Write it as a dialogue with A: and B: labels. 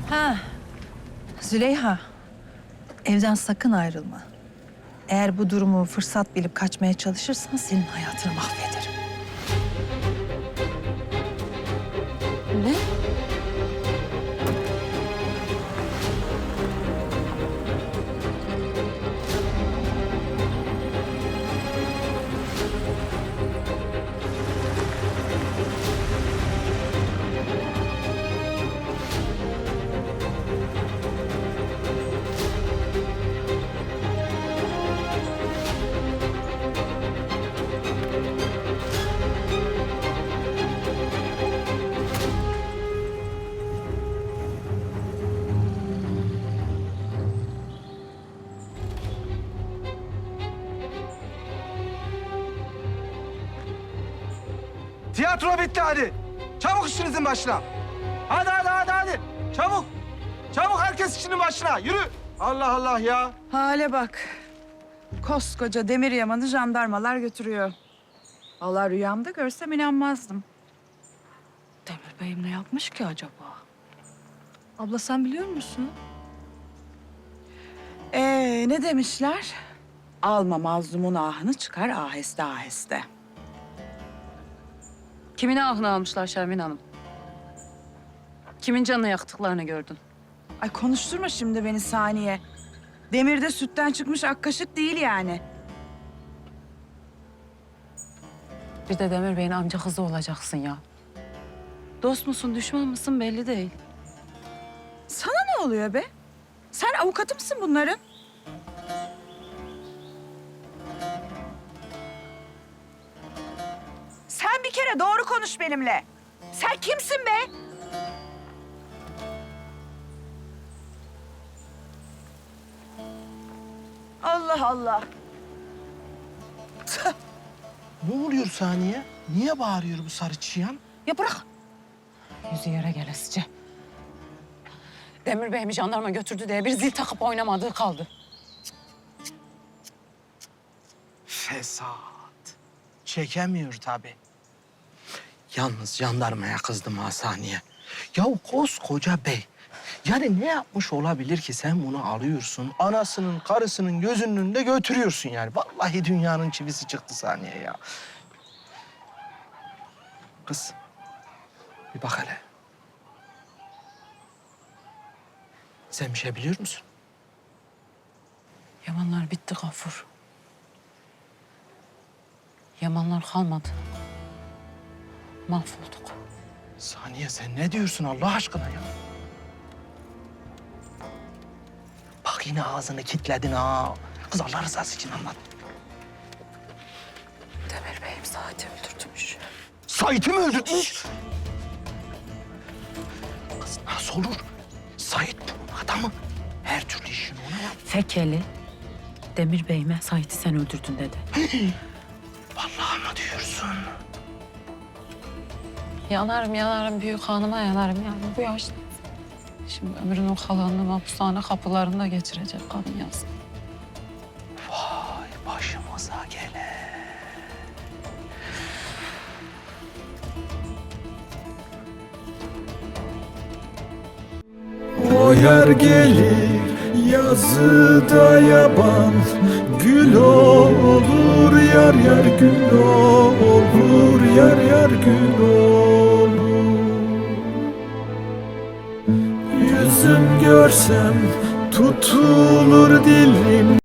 A: Ha, Züleyha, evden sakın ayrılma. Eğer bu durumu fırsat bilip kaçmaya çalışırsan senin hayatını mahvederim.
B: Ne?
C: Tiyatro bitti hadi. Çabuk işinizin başına. Hadi. Çabuk. Çabuk herkes işinin başına. Yürü. Allah Allah ya.
D: Hale bak. Koskoca demir yamanı jandarmalar götürüyor. Allah rüyamda görsem inanmazdım.
B: Demir Bey'im ne yapmış ki acaba? Abla sen biliyor musun?
D: Ne demişler? Alma mazlumun ahını çıkar aheste aheste.
B: Kimin ahını almışlar Şermin Hanım? Kimin canını yaktıklarını gördün?
D: Ay konuşturma şimdi beni Saniye. Demirde sütten çıkmış ak kaşık değil yani.
B: Bir de Demir Bey'in amca kızı olacaksın ya. Dost musun, düşman mısın belli değil.
D: Sana ne oluyor be? Sen avukatı mısın bunların? Sen bir kere doğru konuş benimle. Sen kimsin be? Allah Allah.
C: Ne oluyor Saniye? Niye bağırıyor bu sarı çıyan?
B: Ya bırak. Yüzü yere gelesice. Demir Bey'imi jandarma götürdü diye bir zil takıp oynamadığı kaldı.
C: Fesat. Çekemiyor tabii. Yalnız jandarmaya kızdım ha Saniye. Ya koskoca bey. Yani ne yapmış olabilir ki sen bunu alıyorsun, anasının, karısının gözünün önünde götürüyorsun yani. Vallahi dünyanın çivisi çıktı Saniye ya. Kız, bir bak hele. Sen bir şey biliyor musun?
B: Yamanlar bitti Gafur. Yamanlar kalmadı. Mahvolduk.
C: Saniye sen ne diyorsun Allah aşkına ya? Bak yine ağzını kilitledin ha. Kız Allah rızası için anlat.
B: Demir Bey'im Sait'i öldürtmüş.
C: Sait'i mi öldürtmüş? Kız nasıl olur? Sait bunun adamı. Her türlü işini ona yap.
B: Fekeli, Demir Bey'ime Sait'i sen öldürdün dedi.
C: Vallahi mı diyorsun?
B: Yanarım büyük hanıma yanarım yani bu yaşta. Şimdi ömrünün kalanını mahpushane kapılarında geçirecek kadın yazık.
C: Vay başımıza gele.
E: O yer gelir yazıda yaban, gül olur yar yar gül olur yar yar gül olur. Yüzüm görsem tutulur dilim.